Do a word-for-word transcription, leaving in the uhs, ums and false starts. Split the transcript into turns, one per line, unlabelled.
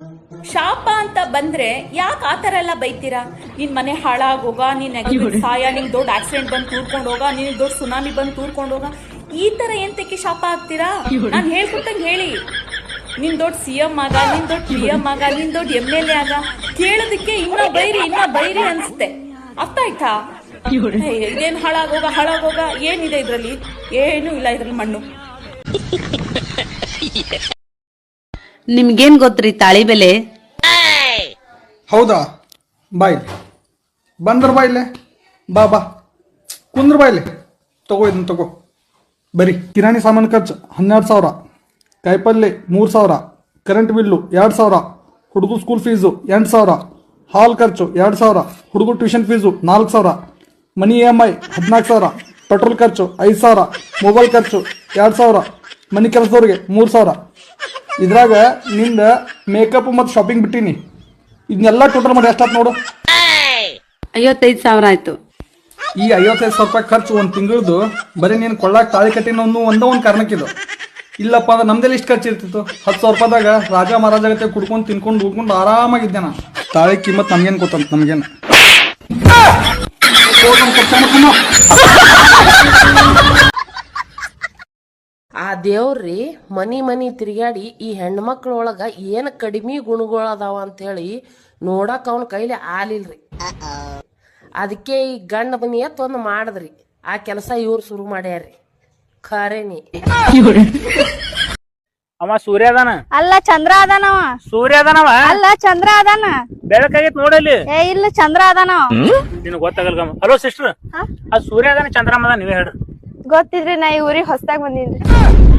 ಶಾಪ ಅಂತ ಬಂದ್ರೆ ಯಾಕೆ ಆತರ ಎಲ್ಲ ಬೈತೀರಾ? ನಿನ್ ಮನೆ ಹಾಳಾಗೋಗ, ನೀನ್ ಸಾಯ, ನಿನ್ ದೊಡ್ಡ ಆಕ್ಸಿಡೆಂಟ್ ಬಂದು ತೂರ್ಕೊಂಡು ಹೋಗ, ನಿನ್ ದೊಡ್ಡ ಸುನಾಮಿ ಬಂದು ತೂರ್ಕೊಂಡು ಹೋಗ, ಈ ತರ ಎಂತಕ್ಕೆ ಶಾಪ ಆಗ್ತೀರಾ? ನಾನ್ ಹೇಳ್ಕೊಟ್ಟಂಗೆ ಹೇಳಿ. ನಿನ್ ದೊಡ್ಡ ಸಿ ಎಂ ಆಗ, ನಿನ್ ದೊಡ್ಡ ಪಿ ಎಂ ಆಗ, ನಿನ್ ದೊಡ್ಡ ಎಂ ಎಲ್ ಎ ಆಗ, ಕೇಳೋದಕ್ಕೆ ಇನ್ನ ಬೈರಿ ಇನ್ನ ಬೈರಿ ಅನ್ಸುತ್ತೆ. ಅರ್ಥ ಆಯ್ತಾ? ಇದೇನ್ ಹಾಳಾಗೋಗ ಹಾಳಾಗೋಗ ಏನಿದೆ ಇದ್ರಲ್ಲಿ? ಏನು ಇಲ್ಲ ಇದ್ರಲ್ಲಿ ಮಣ್ಣು.
ನಿಮ್ಗೇನ್ ಗೊತ್ತ್ರಿ ತಾಳಿ ಬೆಲೆ?
ಹೌದಾ? ಬಾಯ್ ಬಂದ್ರ ಬಾಯ್ಲೆ ಬಾ ಬಾ ಕುಂದ್ರ ಬಾಯ್ಲೆ ತಗೋ ಇದನ್ನ ತಗೋ. ಬರೀ ಕಿರಾಣಿ ಸಾಮಾನು ಖರ್ಚು ಹನ್ನೆರಡು ಸಾವಿರ, ಕಾಯಿಪಲ್ಲೆ ಮೂರು ಸಾವಿರ, ಕರೆಂಟ್ ಬಿಲ್ಲು ಎರಡು ಸಾವಿರ, ಹುಡುಗ ಸ್ಕೂಲ್ ಫೀಸು ಎಂಟು ಸಾವಿರ, ಹಾಲ್ ಖರ್ಚು ಎರಡು ಸಾವಿರ, ಹುಡುಗ ಟ್ಯೂಷನ್ ಫೀಸು ನಾಲ್ಕು ಸಾವಿರ, ಮನಿ ಇ ಎಮ್ ಐ ಹದಿನಾಲ್ಕು ಸಾವಿರ, ಪೆಟ್ರೋಲ್ ಖರ್ಚು ಐದು ಸಾವಿರ, ಮೊಬೈಲ್ ಖರ್ಚು ಎರಡು ಸಾವಿರ, ಮನಿ ಕೆಲಸದವ್ರಿಗೆ ಮೂರು ಸಾವಿರ. ಇದ್ರಾಗ ನಿಂದ ಮೇಕಪ್ ಮತ್ತು ಶಾಪಿಂಗ್ ಬಿಟ್ಟಿನಿ. ಇದನ್ನೆಲ್ಲ ಟೋಟಲ್ ಮಾಡಿ ಎಷ್ಟಾಯ್ತು ನೋಡು.
ಐವತ್ತೈದು ಸಾವಿರ ಆಯ್ತು.
ಈ ಐವತ್ತೈದು ಸಾವಿರ ರೂಪಾಯಿ ಖರ್ಚು ಒಂದು ತಿಂಗಳದು ಬರೀ ನೀನು ಕೊಳ್ಳಾಕ ತಾಳಿ ಕಟ್ಟಿನ ಒಂದು ಒಂದೇ ಒಂದು ಕಾರಣಕ್ಕಿದು. ಇಲ್ಲಪ್ಪ ಅಂದ್ರೆ ನಮ್ದೆಲ್ಲ ಇಷ್ಟು ಖರ್ಚು ಇರ್ತಿತ್ತು. ಹತ್ತು ಸಾವಿರ ರೂಪಾಯಿದಾಗ ರಾಜ ಮಹಾರಾಜ ಗತೆ ಕುಡ್ಕೊಂಡು ತಿನ್ಕೊಂಡು ಉಡ್ಕೊಂಡು ಆರಾಮಾಗಿದ್ದೆ ನಾನು. ತಾಳಿ ಕಿಮ್ಮತ್ ನಮ್ಗೇನು ಗೊತ್ತಂತ ನಮಗೇನು.
ಆ ದೇವ್ರಿ ಮನಿ ಮನಿ ತಿರುಗಾಡಿ ಈ ಹೆಣ್ಮಕ್ಳೊಳಗ ಏನ್ ಕಡಿಮೆ ಗುಣಗಳದಾವ ಅಂತ ಹೇಳಿ ನೋಡಕ್ ಅವನ ಕೈಲಿ ಆಲಿಲ್ರಿ. ಅದಕ್ಕೆ ಈ ಗಂಡ ಮನಿ ಎತ್ ಒಂದು ಮಾಡದ್ರಿ. ಆ ಕೆಲಸ ಇವ್ರು ಶುರು ಮಾಡ್ಯಾರ್ರಿ. ಖರೇನಿ
ಅವ ಸೂರ್ಯ ಅದಾನ
ಅಲ್ಲ ಚಂದ್ರ ಅದಾನವ.
ಸೂರ್ಯ ಅದಾನವ
ಅಲ್ಲ ಚಂದ್ರ ಅದಾನ.
ಬೆಳಕಾಗೈತ್ ನೋಡಲ್ಲಿ.
ಏ ಇಲ್ಲ ಚಂದ್ರ ಅದಾನವ.
ನಿನಗ್ ಗೊತ್ತಾಗಲ್ಗಮ್ಮ. ಹಲೋ ಸಿಸ್ಟರ್, ಆ ಸೂರ್ಯ ಅದಾನ ಚಂದ್ರಮ್ಮ ಅದ ನೀವೇ ಹೇಳ್ರಿ.
ಗೊತ್ತಿದ್ರಿ ನಾ ಈ ಊರಿಗೆ ಹೊಸದಾಗ್ ಬಂದಿನ್ರಿ.